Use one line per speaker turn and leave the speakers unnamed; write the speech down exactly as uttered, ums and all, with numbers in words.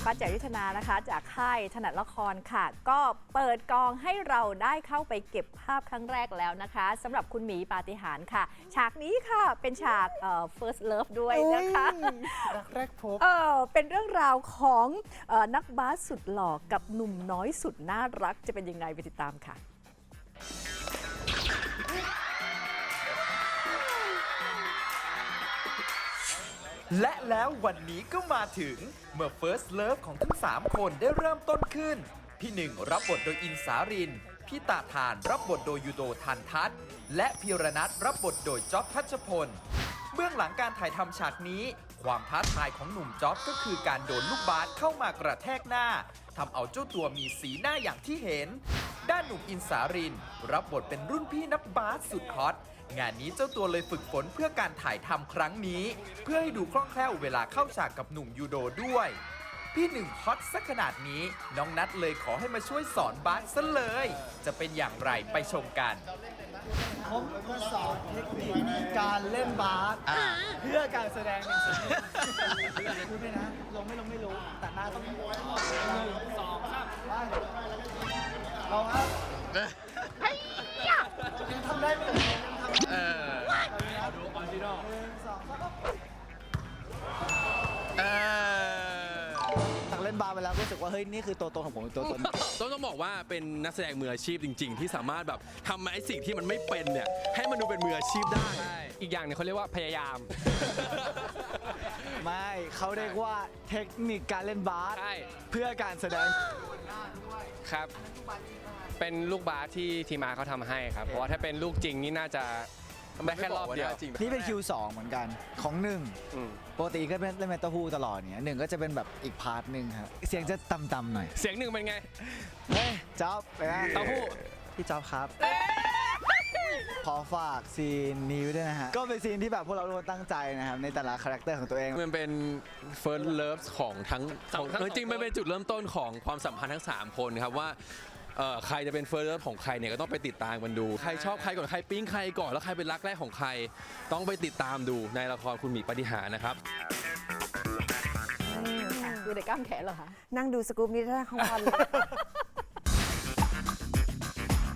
ป้าแจ๋วยุทธนานะคะจากค่ายถนัดละครค่ะก็เปิดกองให้เราได้เข้าไปเก็บภาพครั้งแรกแล้วนะคะสำหรับคุณหมีปาฏิหาริย์ค่ะฉากนี้ค่ะเป็นฉากเอ่อ first love ด้วยนะคะ
รักแรกพบ
เออเป็นเรื่องราวของเอ่อนักบาสสุดหล่อกับหนุ่มน้อยสุดน่ารักจะเป็นยังไงไปติดตามค่ะ
และแล้ววันนี้ก็มาถึงเมื่อ First Love ของทั้งสามคนได้เริ่มต้นขึ้นพี่หนึ่งรับบทโดยอินสารินพี่ตาทานรับบทโดยยูโดทันทัศน์และพีรนัทรับบทโดยจ๊อบทัชพลเบื้องหลังการถ่ายทำฉากนี้ความท้าทายของหนุ่มจ๊อบก็คือการโดนลูกบาสเข้ามากระแทกหน้าทำเอาเจ้าตัวมีสีหน้าอย่างที่เห็นด้านหนุ่มอินสารินรับบทเป็นรุ่นพี่นักบาสสุดฮอตงานนี้เจ้าตัวเลยฝึกฝนเพื่อการถ่ายทำครั้งนี้เพื่อให้ดูคล่องแคล่วเวลาเข้าฉากกับหนุ่มยูโดด้วยพี่หนึ่งฮอตสักขนาดนี้น้องนัทเลยขอให้มาช่วยสอนบาสซะเลยจะเป็นอย่างไรไปชมกัน
ผมมาสอนเทคนิคการเล่นบาสเพื่อการแสดงหนึ่งสิ่งพูดไปนะลงไม่ลงไม่รู้แต่หน้าต้องหนึ่งสองสามลองครับยังทำได้ไหมยังทำได้เออเอาดูออริจินอลหนึ่งสองสามเออตักเล่นบาสไปแล้วรู้สึกว่าเฮ้ยนี่คือตัวตนของผมตัวตน
ต้องต้องบอกว่าเป็นนักแสดงมืออาชีพจริงๆที่สามารถแบบทำไอ้สิ่งที่มันไม่เป็นเนี่ยให้มันดูเป็นมืออาชีพได้
อีกอย่างนึงเขาเรียกว่าพยายาม
ไม่เขาเรียกว่าเทคนิคการเล่นบาสเพื่อการแสดง
ครับเป็นลูกบาสที่ทีมอาร์เขาทำให้ครับเพราะว่าถ้าเป็นลูกจริงนี่น่าจะได้แค่รอบเดียว
นี่เป็นคิวสองเหมือนกันของหนึ่งปกติก็เป็นเล่นเมตาฮูตลอดเนี่ยหนึ่งก็จะเป็นแบบอีกพาร์ทหนึ่งครับเสียงจะต่ำๆหน่อย
เสียงหนึ่งเป็นไง
เฮ้ยจ๊อบไปนะ
เต้าหู้
พี่จ๊อบครับขอฝากซีนนี้ด้วยนะฮะก็เป็นซีนที่แบบพวกเราทุกคนตั้งใจนะครับในแต่ละคาแรคเตอร์ของตัวเอง
มันเป็น first love ของทั้งจริงๆมันเป็นจุดเริ่มต้นของความสัมพันธ์ทั้งสามคนครับว่าใครจะเป็น first love ของใครเนี่ยก็ต้องไปติดตามกันดูใครชอบใครก่อนใครปิ๊งใครก่อนแล้วใครเป็นรักแรกของใครต้องไปติดตามดูในละครคุณหมีปาฏิหาริย์นะครับ
ดูแต่กล้ามแขนเหรอคะ
นั่งดูสกู๊ปนี้ได้ทั้งวันเลย